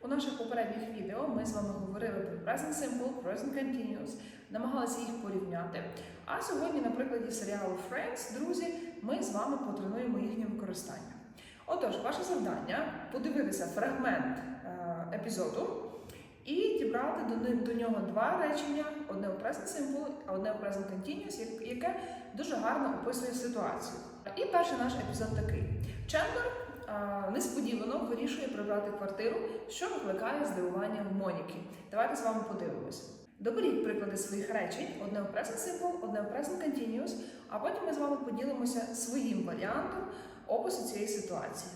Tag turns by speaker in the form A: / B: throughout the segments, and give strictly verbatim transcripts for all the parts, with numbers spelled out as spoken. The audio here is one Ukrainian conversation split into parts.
A: У наших попередніх відео ми з вами говорили про Present Simple, Present Continuous, намагалися їх порівняти. А сьогодні, на прикладі серіалу Friends, друзі, ми з вами потренуємо їхнє використання. Отож, ваше завдання – подивитися фрагмент е, епізоду і дібрати до, до нього два речення, одне у Present Simple, а одне у Present Continuous, яке дуже гарно описує ситуацію. І перший наш епізод такий. Чендлер а, несподівано вирішує прибрати квартиру, що викликає здивування в Моніки. Давайте з вами подивимося. Доберіть приклади своїх речень, одне у Present Simple, одне у Present Continuous, а потім ми з вами поділимося своїм варіантом опису цієї ситуації.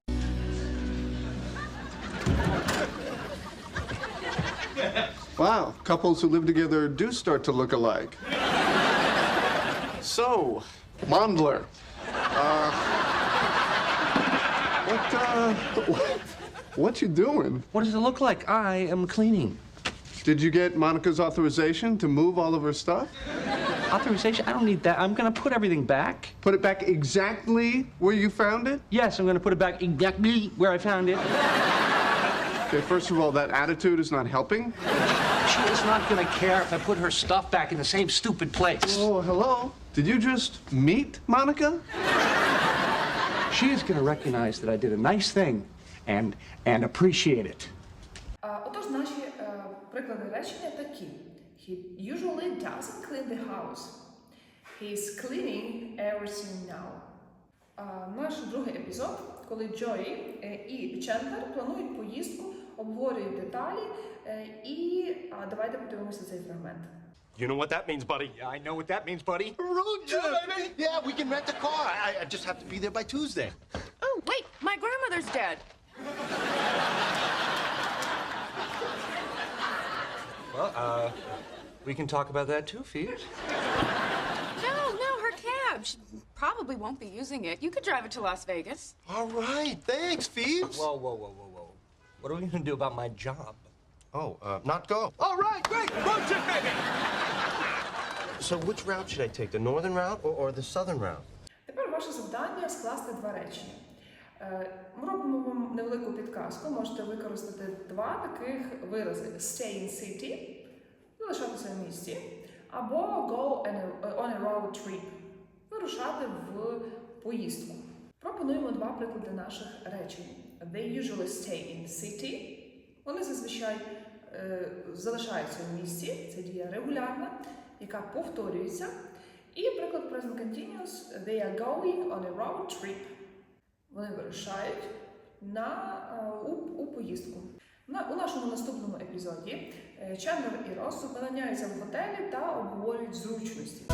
B: Wow, couples who live together do start to look alike. So, Mondler, uh, what, uh, what, what you doing?
C: What does it look like? I am cleaning.
B: Did you get Monica's authorization to move all of her stuff?
C: Authorization? I don't need that. I'm gonna put everything back.
B: Put it back exactly where you found it?
C: Yes, I'm gonna put it back exactly where I found it.
B: Okay, first of all, that attitude is not helping.
C: She is not gonna care if I put her stuff back in the same stupid place.
B: Oh, hello? Did you just meet Monica?
C: She is gonna recognize that I did a nice thing and and appreciate it.
A: А, Отож, наші е, приклади речення такі. He usually doesn't clean the house. He's cleaning everything now. А, Наш другий епізод, коли Джої е, і Чендлер планують поїздку, обговорюють деталі, е, і а, давайте подивимося цей фрагмент.
D: You know what that means, buddy?
E: I know what that means, buddy.
D: Road trip!
E: Yeah, baby. Yeah, we can rent a car. I, I just have to be there by Tuesday.
F: Oh, wait, my grandmother's dead.
C: Well, uh, we can talk about that too, Phoebes.
F: No, no, her cab. She probably won't be using it. You could drive it to Las Vegas.
E: All right, thanks, Phoebes.
C: Whoa, whoa, whoa, whoa, whoa. What are we gonna do about my job?
E: Oh, uh, not go. All right, great. Road trip, baby. So which route should I take, the northern route or, or the southern route?
A: Тепер ваше завдання – скласти два речення. Е, Ми робимо вам невелику підказку. Можете використати два таких вирази. Stay in city – залишатися в місті, або go on a, on a road trip – вирушати в поїздку. Пропонуємо два приклади наших речень. They usually stay in city. Вони зазвичай е, залишаються в місті. Це дія регулярна, яка повторюється. І приклад Present Continuous. They are going on a road trip. Вони вирушають на, у, у поїздку. На, у нашому наступному епізоді Чендлер і Росс зупиняються в готелі та обговорюють зручності.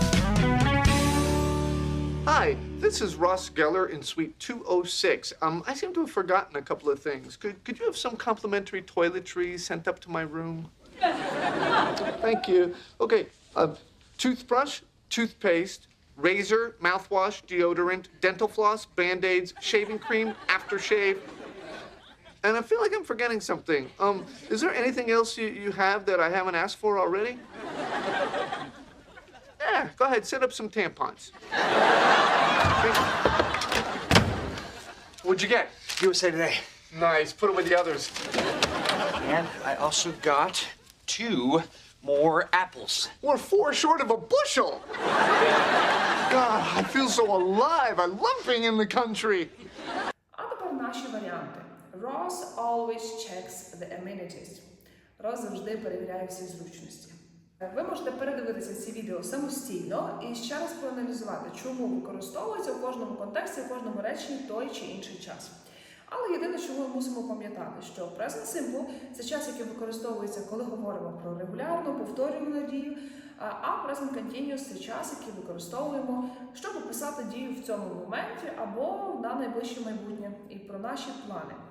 B: Hi, this is Ross Geller in Suite two oh six. Um, I seem to have forgotten a couple of things. Could, could you have some complimentary toiletries sent up to my room? Thank you. Okay, uh, toothbrush, toothpaste, razor, mouthwash, deodorant, dental floss, Band-Aids, shaving cream, aftershave. And I feel like I'm forgetting something. Um, is there anything else you, you have that I haven't asked for already? Yeah, go ahead, set up some tampons. What'd you get?
C: U S A Today.
B: Nice, put it with the others.
C: And I also got two more apples.
B: We're four short of a bushel. God, I feel so alive. I love being in the country.
A: А тепер наші варіанти. Ross always checks the amenities. Ross завжди перевіряє всі зручності. Ви можете передивитися ці відео самостійно і ще раз проаналізувати, чому використовується у кожному контексті, у кожному реченні той чи інший час. Але єдине, що ми мусимо пам'ятати, що Present Simple – це час, який використовується, коли говоримо про регулярну, повторювану дію, а Present Continuous – це час, який використовуємо, щоб описати дію в цьому моменті або на найближче майбутнє і про наші плани.